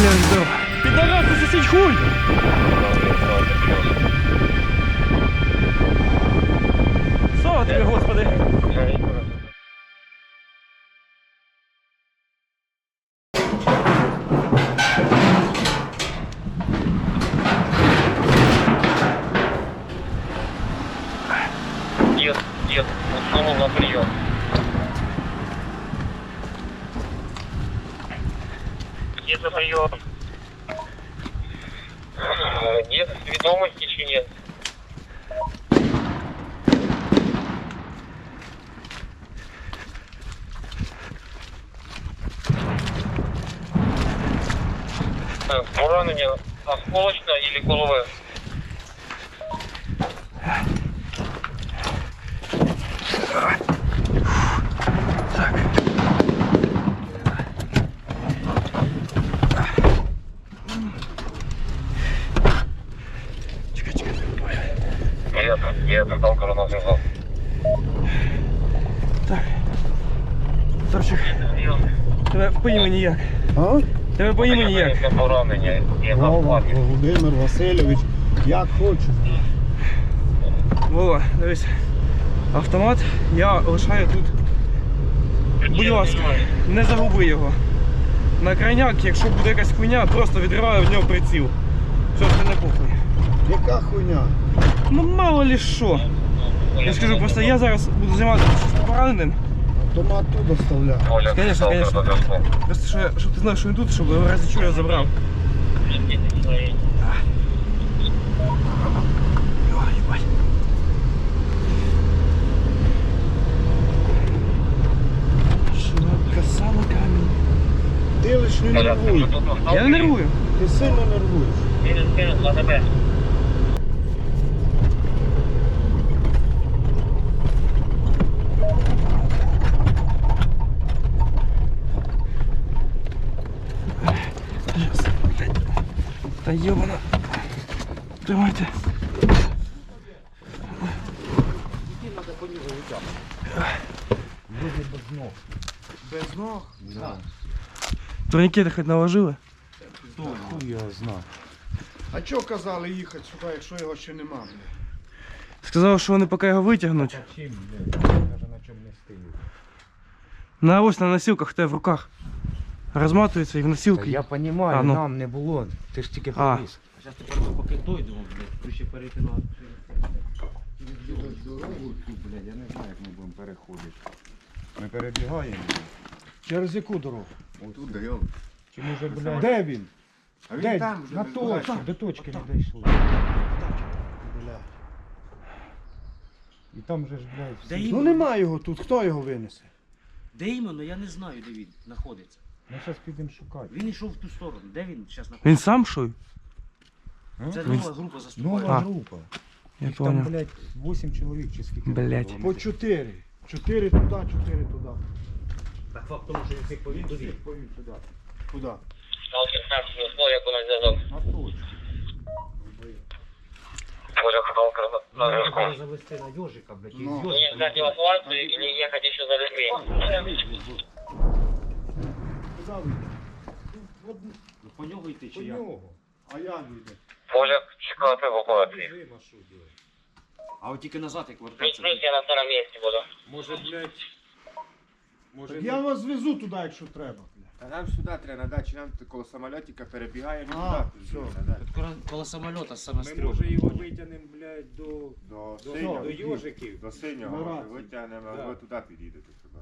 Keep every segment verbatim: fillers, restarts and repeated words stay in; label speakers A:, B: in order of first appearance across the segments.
A: Будь здоров. Підарас, ти сусідь хуй! Слава тобі, Господи!
B: Нет, нет, усунул на прием. Нет, на прием. Нет, ведомости еще нет. Поранение осколочно или голове?
A: Так. Чекай, чекай.
B: Нет, нет, там коронавирус связал.
A: Так. Торчик, тебе по імені як?
C: А?
A: Тебе по імені як?
B: Поранення, є на
C: Вова,
B: складі.
C: Володимир Васильович, як хочеш.
A: Вова, дивись. Автомат я лишаю тут. Будь ласка, не загуби його. На крайняк, якщо буде якась хуйня, просто відриваю в нього приціл. Все, це не похуй.
C: Яка хуйня?
A: Ну мало ли що. Я скажу, просто я зараз буду займатися пораненим.
C: Автомат тут доставляє.
B: Оля,
A: Конечно,
B: сталкер
A: конечно.
B: до зв'язку.
A: Просто що, щоб ти знав, що він тут, щоб в разі чого я забрав. Ой, їбать. Широка сало камінь.
C: Ти лиш не
B: Оля, ти
C: нервуй.
B: вже тут на
A: Я не
B: сталкері?
A: нервую.
C: Ти сильно нервуєш.
B: Мінус, мінус, на тебе.
A: Сейчас, блядь. Та ёбана. Тримайте.
C: Без ног?
A: Да. Турнікети хоч наложили?
C: Хуй я знаю. А чого казали їхати сюди, якщо його ще нема? Бля?
A: Сказали, що вони поки його витягнуть.
C: Чим, блядь? Навіть на чому не стою.
A: На ось на носилках в тебе в руках. Розматується і в носилки.
D: Я розумію,
A: А, ну.
D: нам не було. Ти ж тільки
A: А.
D: привіз.
E: Зараз тепер поки дойдемо, блядь, ключі перекидати.
D: Дорогу цю, блядь, я не знаю, як ми будемо переходити. Ми перебігаємо.
C: Через яку дорогу?
D: Отут даємо. Чи може, блядь?
C: Де він?
D: А він
C: Де?
D: там вже.
C: На
D: без
C: точці.
D: дорожки, до точки не дійшли.
C: Бля.
D: І там же ж, блядь,
E: Де
D: всі...
C: Ну
E: іменно?
C: нема його тут, хто його винесе?
E: Де іменно, я не знаю, де він знаходиться.
D: Ми зараз підемо шукати.
E: Він йшов в ту сторону. Де він зараз
A: Він
E: знаходиться?
A: сам шуй?
E: Це
A: Він-
E: нова група заступає.
D: Нова
A: А.
D: група.
A: Я
D: Їх там,
A: понял.
D: блядь, вісім чоловік чи скільки.
A: Блядь.
D: було.
C: По чотири. Чотири туди, чотири туди.
E: Так факт тому, що він всіх повів до він.
C: Повів туди. Куди?
B: Сталкер, так, зв'язку, як у нас зв'язок.
C: На точку.
B: Оля, сталкер на- на зв'язку.
E: Треба завести на йожика, блядь, і
C: Ну.
E: з
B: Мне
E: йожика.
B: ждать эвакуацию или ехать еще за людьми?
C: Куди ви? От
E: Ну, по нього йти
C: по
E: чи як?
C: нього. А як вийде?
B: Оля, чекати евакуації.
E: А от тільки назад, як
B: Плюс,
E: вертатися.
B: плюс, я на втором місці буду.
D: Може, блядь... Може,
C: Так я вас звезу туди, якщо треба. Бля.
D: А нам сюди треба надати, чи нам коло самолітика перебігаємо
C: А,
D: туди.
C: все.
D: надати.
E: Тут коло- коло самольота саме
D: Ми
E: стрьом.
D: може його витягнемо, блядь, до...
F: До
D: До,
F: синього,
D: до йожиків.
F: до синього
C: На
F: може,
C: рацію.
F: витягнемо,
D: Да.
F: ви туди підійдете сюди.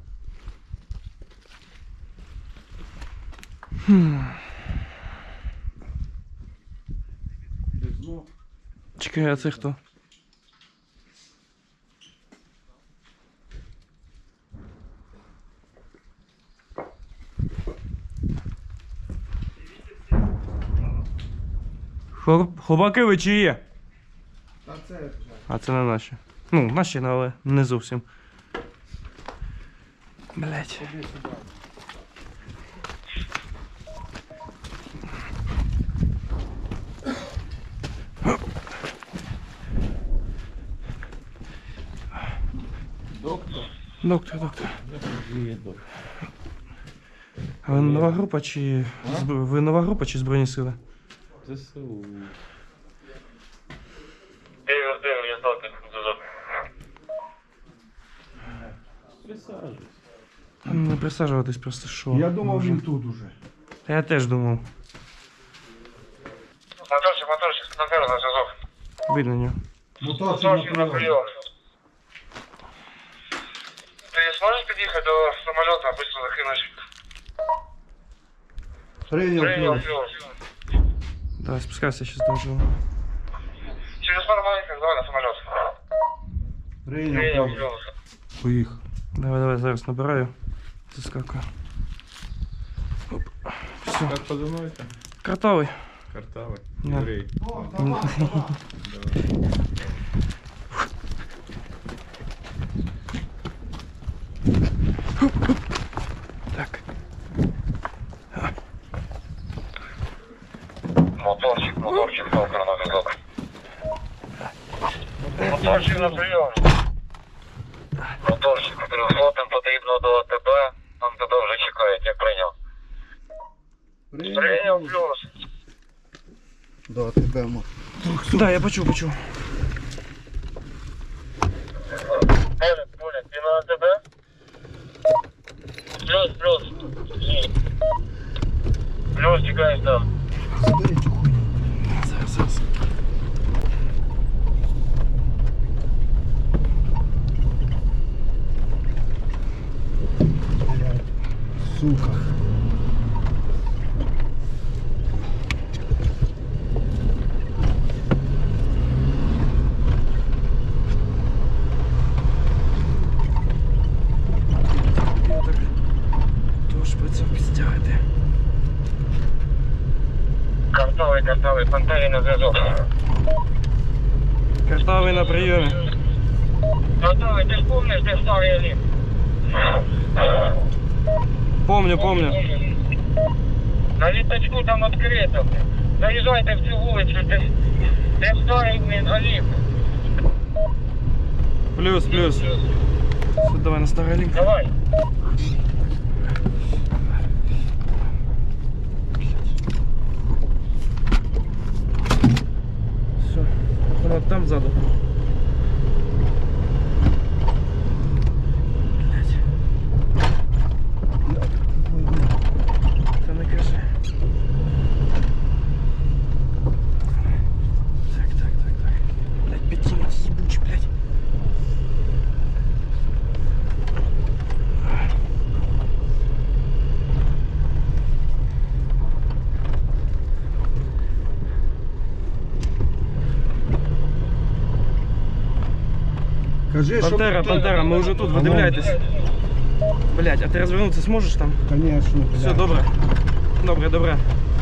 C: Без ног.
A: Чекай, а це хто? Хлоп- Хлопаки ви чи є?
C: Та це вже.
A: А це не наші. Ну, наші, але не зовсім. Блять.
C: Ходи сюди.
A: Доктор, доктор. А ви нова група чи. збро- Ви нова група чи Збройні сили?
F: ЗСУ.
B: Дивись, дивись, зв'язок. Зв'язок.
F: Присаджуйся.
A: Не присаджуватись просто що.
C: Я думав,
A: Боже.
C: він тут уже.
A: Я теж думав.
B: Моторчик, моторчик, на первый на зв'язок.
A: Видно нього.
C: Моторчик на
B: Моторчик на
C: прийом.
B: прием. Ты сможешь подъехать до самолета, быстро закинуть?
C: Прийняв
B: Принял,
C: плюс.
B: плюс.
A: Давай, спускайся, сейчас доживу.
B: Через пару маленьких, давай на самолет.
C: Прийняв
B: Принял,
C: плюс.
B: плюс.
C: Поїхав.
A: Давай, давай, зараз набираю. Заскакую. Оп. Все.
F: Как позывной-то?
A: Картовий.
F: Картавый.
A: Да.
F: Еврей.
A: Так.
B: Моторчик, моторчик, толка на зв'язок. Моторчик на прийом. Моторчик, плюсотим потрібно до тебе. Там тебе вже чекають, як прийняв. Прийняв, плюс.
C: До тебе, мо.
A: Да, я почув, почув.
B: Поля, поля, ти на тебе? Плюс, плюс. Плюс чекаєш там.
C: Забери цю хуйню.
A: Зараз, зараз.
C: Сука.
A: Я так. Тож працював підстягати.
B: Картовий, картовий, пантері на зв'язок.
A: Картовий на прийомі.
B: Картовий, ти ж помниш, де старий ліп?
A: Помню, помню.
B: На літачку там відкрито. Заїжджайте в цю вулицю, де, де старий блін, Олімп.
A: Плюс, плюс. Все, давай на старий лінк.
B: Давай.
A: Все. Вона там ззаду. Блять. Та не кажи. Так, так, так, так. Блять, пятина ебучий, блять.
C: Кажи, що...
A: Пантера, пантера, ми вже тут, видивляйтесь. Блять, а ти розвернутися зможеш там?
C: Конечно,
A: Все, добре. Добре, добре.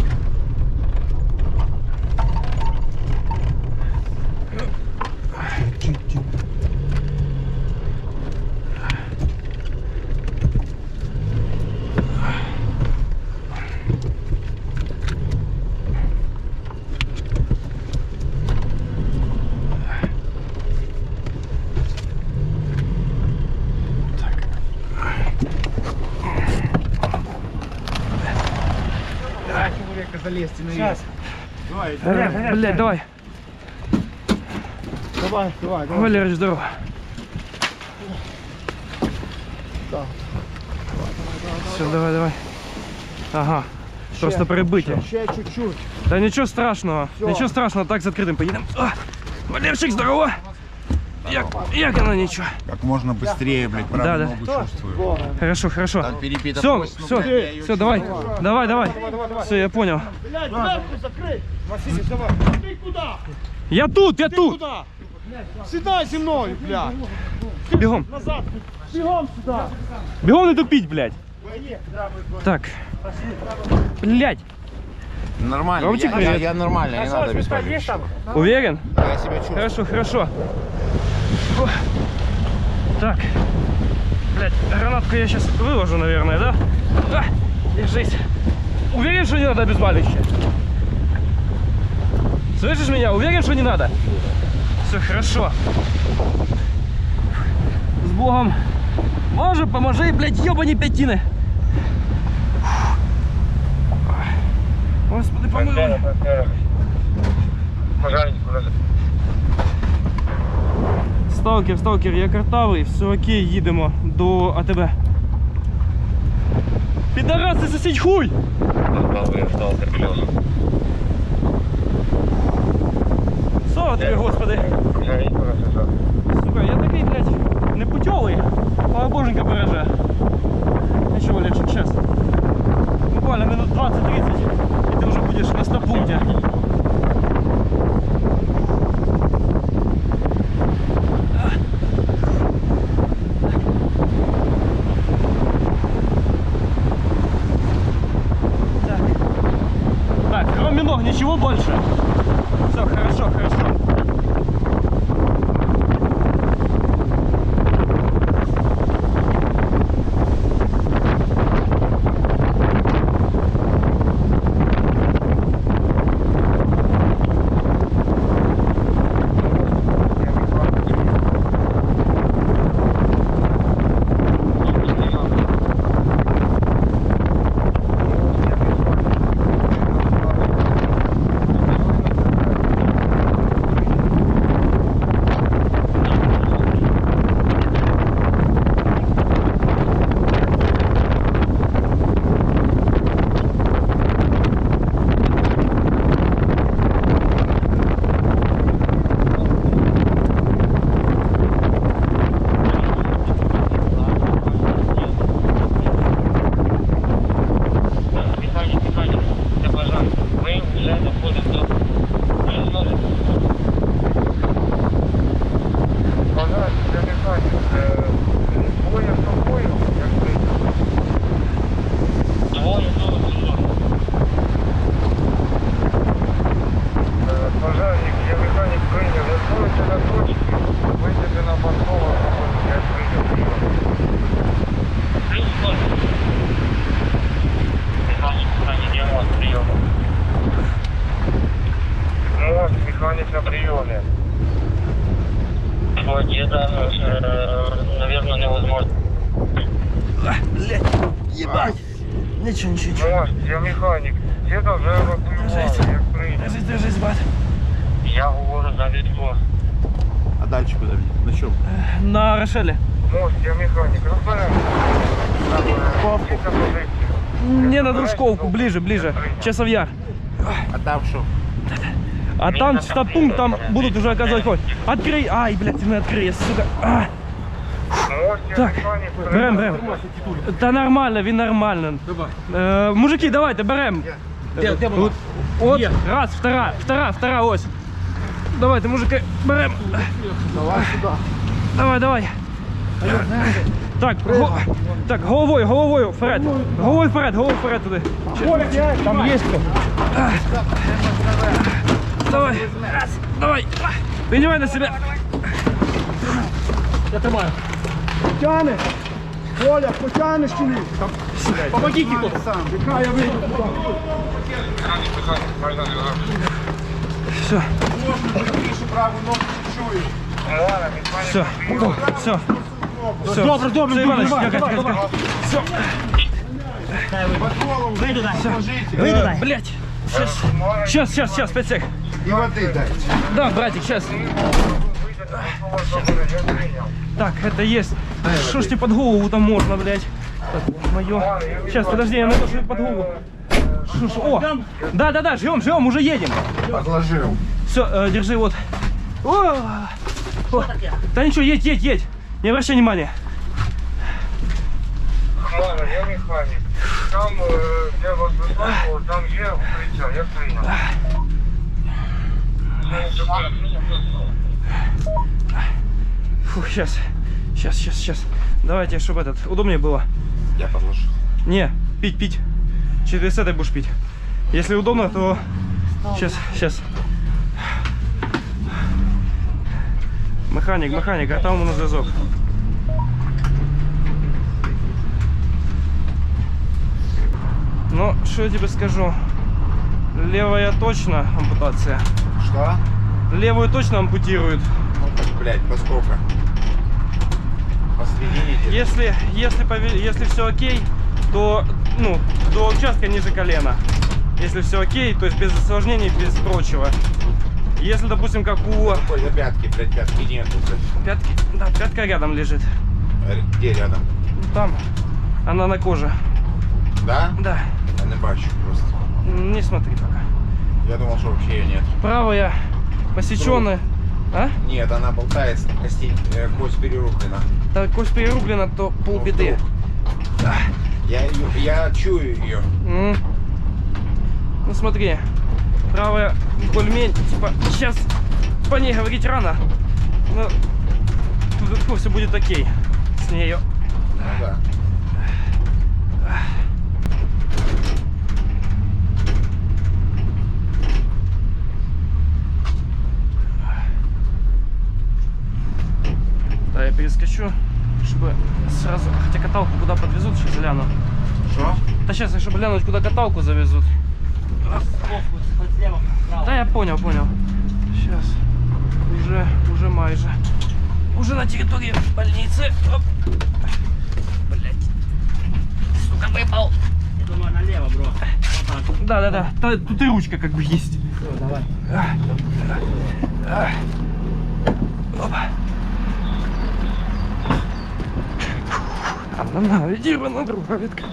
C: Залезьте наверх. Давай,
A: Э, Блять, давай.
C: давай, давай, давай.
A: Валерич, здорово.
C: Так.
A: Все, давай, давай. Ага. Просто перебиття.
C: Ще чуть-чуть.
A: Да нічого страшного.
C: Всё.
A: Нічого страшного, так з відкритим поїдемо. А, Валерчик, здорово. Як, як оно нічого?
D: Как можно быстрее, блядь, правую
A: Да, да.
D: ногу чувствую.
A: Хорошо, хорошо.
D: Там перебита
A: Все,
D: кость, ну,
A: все,
D: блядь, я её
A: все, давай. Давай, давай. Все, я понял.
C: Блядь, дверку закрий. Василий, давай. Ты куда?
A: Я тут, я тут.
C: Куда? Сідай зі мною, блядь.
A: Бігом.
C: Назад. Бігом сюди.
A: Бігом не тупіть, блядь. Так. Блядь.
D: Нормально,
A: Ромчик,
D: я, я,
A: привет.
D: я нормально, не надо беспокоиться.
A: Уверен?
D: Я себя чувствую.
A: Хорошо, хорошо. О. Так. Блядь, гранатку я сейчас выложу, наверное, да? А, держись. Уверен, что не надо обезболивающее? Слышишь меня? Уверен, что не надо? Все хорошо. С Богом. Боже, поможи, блядь, ебани пятины. Фух. помилуй.
B: Пожарник, подожди.
A: Сталкер, сталкер, я картавий, все окей, їдемо до АТБ. Підараси, сосіть хуй!
B: Картавий сталкер плюс.
A: Слава тобі, господи!
B: Пожарник, подожди.
A: Сука, я такий, блядь, непутьовий. Слава боженька береже. Нічого, Лешик, сейчас. Буквально минут двадцать-тридцать, и ты уже будешь на стопункте. Так. Так, кроме ног ничего больше. Все, хорошо, хорошо.
B: Механик на приеме. Вот это, э, наверное, невозможно.
A: Блять, ебать. Ничего, ничего, ничего.
B: Может, я механик. Где-то вже евакуювали, як прийняв.
A: Держись, держись, бат.
B: Я говорю за Вітко.
C: А далі куди? На чому?
A: На Рошеле.
B: Может, я механик. Розберемо. Папку.
A: Не на Дружковку, ближе, ближе. Часов Яр.
C: А там що?
A: А там стопункт, там будут уже оказывать помощь. Открой. Ай, блядь, ты не открой, сука. А.
B: Может, я
A: Так,
B: механик.
A: берем, берем. Та нормально, він нормально. Е, мужики, давайте, берем.
E: Де, де вона?
A: От, раз, втора, втора, втора, ось. Давайте, мужики, берем.
C: Давай сюди.
A: Давай, давай. Так, го... так, головою, головою вперед. Головою вперед, головою вперед туди. Там є хто. Давай. Раз, давай. Принимай на себя.
E: Я тримаю.
C: Тяне! Коля, потянеш чи ні?
E: Помогіть тут.
C: Сам, яка я вийду туди.
B: Механик, механик, можна зв'язок.
A: Все,
C: Більше праву ногу чую.
B: Ну ладно, механик
A: все,
B: на приеме.
A: все. Все.
E: Добре, добре,
A: Все, Иваныч,
E: давай,
A: тихо,
E: давай,
A: тихо,
E: давай.
A: тихо. Все.
C: Под голову
E: Вийду дай.
C: положите.
E: Вийду дай.
A: Блять. Сейчас, сейчас, сейчас, сейчас, пять сек.
C: І води дайте.
A: Да, братик, сейчас. Так, это есть. Что ж тебе под голову там можно, блядь? Так, мое. Сейчас, подожди, я найду, что под голову. Шо, шо, о, да, да, да, ждем, ждем, уже едем.
C: Подложив.
A: Все, держи, вот. О, о. Да ничего, едь, едь, едь. Не обращай внимания.
B: Ладно, я механик. Там, е, де вас висадило, там є укриття, я прийняв.
A: Фух, сейчас, сейчас, сейчас, сейчас. Давайте, чтобы этот, удобнее было.
C: Я подложу.
A: Не, пить, пить. Через этой будешь пить. Если удобно, то сейчас, сейчас. Механик, механик, а там у нас зв'язок. Ну, что я тебе скажу? Левая точно ампутация.
C: Что?
A: Левую точно ампутируют.
C: Блять, поскольку? Посредине.
A: Если, если, пове- если все окей, то ну, до участка ниже колена. если все окей, то есть без осложнений, без прочего. Если, допустим, как у
D: Ой, за пятки, блядь, пятки нету, блядь.
A: пятки, да, пятка рядом лежит.
D: Э, Где рядом?
A: Там она на коже.
D: Да?
A: Да,
D: Я не бачу просто.
A: не смотри пока.
D: Я думал, что вообще ее нет.
A: Правая посеченная. А?
D: Нет, она болтается, кости, э, кость перерублена.
A: Так, кость перерублена, то полбеды. Да.
D: Я, её- я чую ее.
A: М. Ну смотри, правая более типа, сейчас по ней говорить рано, но все будет окей с нею.
D: Ну да.
A: Да, я перескочу, чтобы сразу, хотя каталку куда подвезут, сейчас гляну.
D: Что?
A: Да сейчас, чтобы глянуть, куда каталку завезут. Да, я понял, понял. Сейчас. Уже, уже майже. Уже на территории больницы. Оп. Блять. Сука, выпал.
E: Я думаю, налево, бро. Вот так.
A: Да, да, да. Та- Тут и ручка как бы есть.
E: Всё, давай.
A: Опа. Она наведірвана, друга відкрита.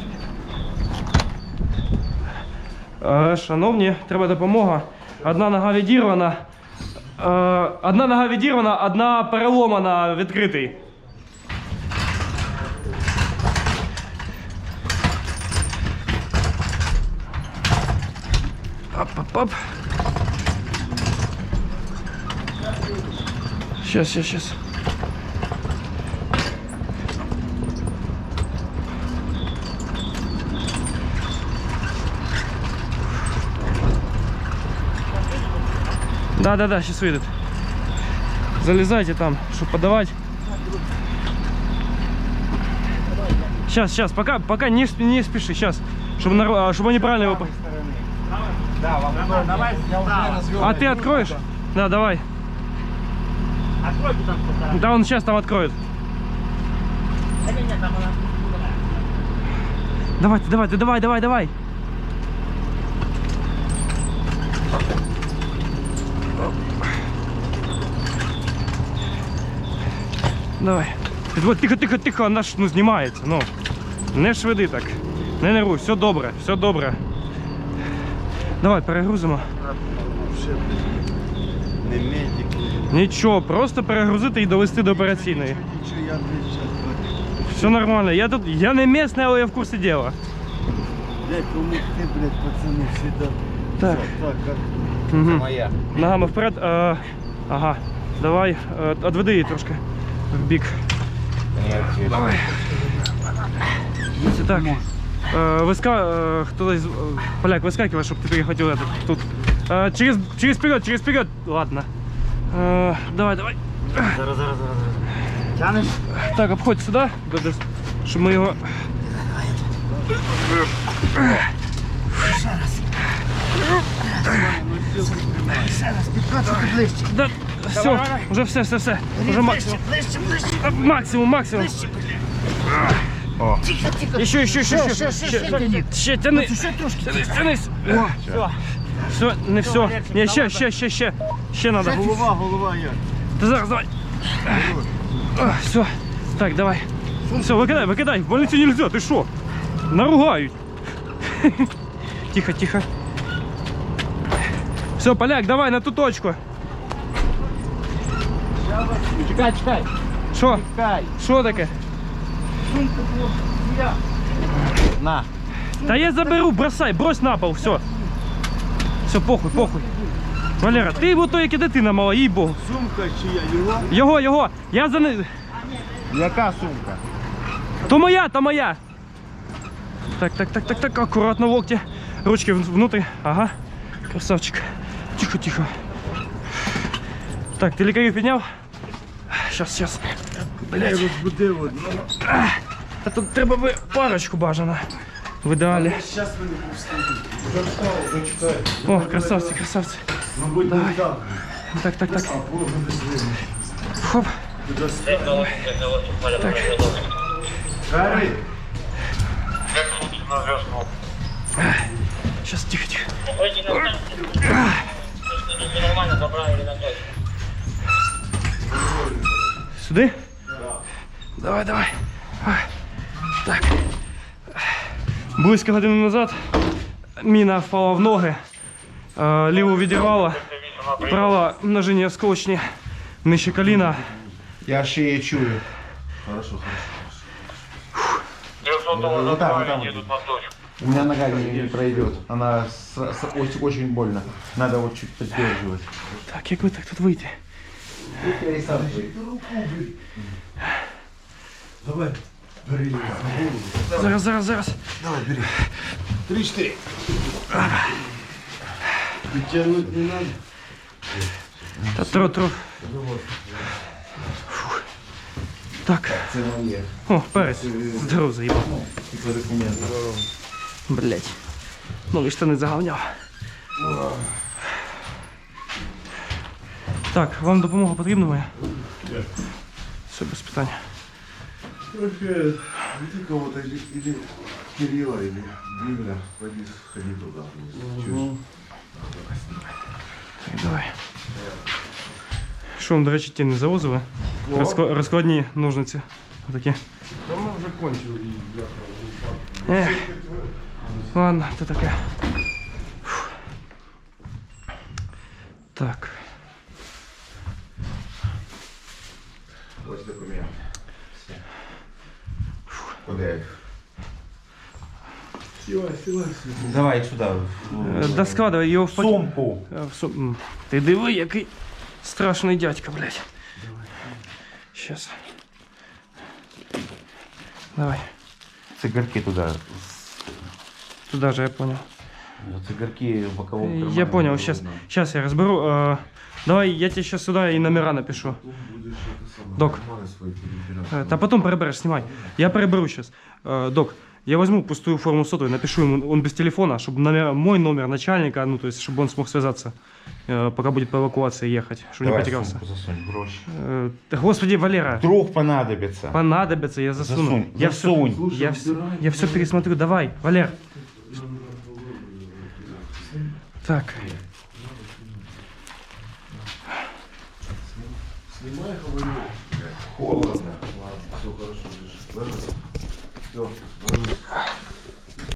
A: Е, Шановні, треба допомога. Одна нога відірвана. Е, Одна нога відірвана, одна переломана, відкритий. Оп-оп-оп. Сейчас, сейчас, сейчас. Да, да, да, сейчас выйдет. Залезайте там, чтобы подавать. Сейчас, сейчас, пока, пока не, сп- не спеши, сейчас, чтобы, нар- а, чтобы они правильно его. по-
C: Да, вам удобно.
E: Давай,
C: Я уже
E: справа.
C: развел.
A: А ты откроешь? Да, давай.
E: Откройте там что-то.
A: Да, он сейчас там откроет.
E: Да нет, там она.
A: Давай, ты, давай, ты, давай, давай, давай. Давай. Вот, тихо, тихо, тихо, вона ж ну, знімається. Ну. Не швиди так. Не нервуй, все добре, все добре. Давай, перегрузимо.
C: Не медик.
A: Нічого, просто перегрузити і довести до операційної.
C: Нічого, я не
A: Все нормально. Я тут, я не місний, але я в курсі діла.
C: Блять, помогти, блять, пацаны, всегда.
A: Так.
C: Так, как
A: Угу.
D: Моя.
A: Ногами вперед. Е, ага. Давай, е, відведи її трошки в бік.
D: Нет, давай.
A: Це так. Е, виска... е, хтось, е, поляк, вискакивай, щоб ти перехватив этот, тут. Е, через, через вперед, через вперед. Ладно. Е, давай, давай.
C: Зараз, зараз, зараз, зараз. Тянеш?
A: Так, обходь сюди, до- щоб ми його.
C: Ще раз, підкачуйте ближче.
A: Да, все, уже все, все, все. Уже максимум.
C: Ближче, ближче.
A: А, Максимум, максимум.
C: Тихо, тихо.
A: Еще, еще, еще,
C: Ще,
A: еще.
C: ще, ще, ще тяни.
A: Ще, тяни.
C: Ще трошки.
A: Тянись, тянись.
E: Все.
A: Все, не все. Не, ще, ще, ще, ще. Ще надо.
C: Голова, голова як.
A: Ты зараз, давай. Все. Так, давай. Все, выкидай, выкидай. В больницу нельзя, ты шо? Наругают. Тихо, тихо. Все, поляк, давай на ту точку.
E: Чекай, чекай.
A: Шо?
E: Чекай.
A: Шо таке?
E: На.
A: Да я заберу, бросай, брось на пол, все. Все, похуй, похуй. Валера, ти бо то як і дитина мала, їй богу.
C: Сумка чия, його?
A: Його, його, я за не...
C: Яка сумка?
A: То моя, то моя. Так, так, так, так, так, аккуратно в локте. Ручки в- внутрь. Ага. Красавчик. Тихо, тихо. Так, ты лікарів підняв? Сейчас, сейчас.
C: Я розбудив одну.
A: А тут треба би парочку бажано. В ідеалі.
C: Зараз мене пустити.
A: О, красавці, красавці.
C: Мабуть, не так.
A: Так, так, так. Хоп.
C: Гарри,
A: Сейчас, тихо, тихо.
B: Выйди на станцию. Если нормально забрали на точку.
A: Сюди? Давай, давай. Ой. Так. Близько години назад міна впала в ноги, е, ліву відірвала, права множині осколочні, нижче коліна.
C: Я шиє чую.
B: трехсотого
C: Вот так, вот
B: забрали,
C: так
B: едут на точку.
C: У меня нога не, не пройдет. Она с- с- очень, очень больно. Надо вот чуть поддерживать.
A: Так, як ви так тут вийти?
C: Давай, бери.
A: Зараз, зараз, зараз.
C: Давай, бери. Три-четыре. Тянуть не надо.
A: Та тро, тро. Фух. Так.
C: Це моє.
A: О, перець. Здоров заїбав.
C: І по документам.
A: Блять. Нові штани загавняв. Так, вам допомога потрібна моя? Все, без питань.
G: Найди кого-то или, или Кирилла, или Димля, пойди сходи туда. Чуть.
A: Так, давай. Що вам, до речі, ті не завозили? Розкла- Розкладні ножниці. Отакі.
G: Да мы уже кончили.
A: Ех. Ладно, то таке. Фух. Так.
D: Ось документ. Куди їх?
G: Силай, силай, силай.
C: Давай сюда.
A: Е, Да складывай його в пакет.
C: Сумку.
A: Е, в сум- М. Ти диви, який страшний дядька, блядь. Щас. Давай.
C: Цигарки туда.
A: Туда же, я понял.
C: Цигарки в боковом кармане.
A: Я понял, сейчас, сейчас я разберу. Э, давай я тебе сейчас сюда и номера напишу.
G: Будешь это самое.
A: Док.
G: карманы свои перебирать.
A: Э, да потом переберешь, снимай. Я переберу сейчас. Э, док, я возьму пустую форму сотовой, напишу ему, он без телефона, чтобы номер, мой номер начальника, ну то есть, чтобы он смог связаться, э, пока будет по эвакуации ехать, чтобы не
C: Давай
A: потерялся.
C: сумку засунь, гроши.
A: Э, да, господи, Валера,
C: Вдруг понадобится.
A: понадобится, я засуну.
C: Засунь,
A: я
C: засунь.
A: Все, я, все, я все пересмотрю, давай, Валер. Так.
G: Снимай, говорю. Холодно. Ладно, все хорошо. Ложись. Ложись. Все, ложись.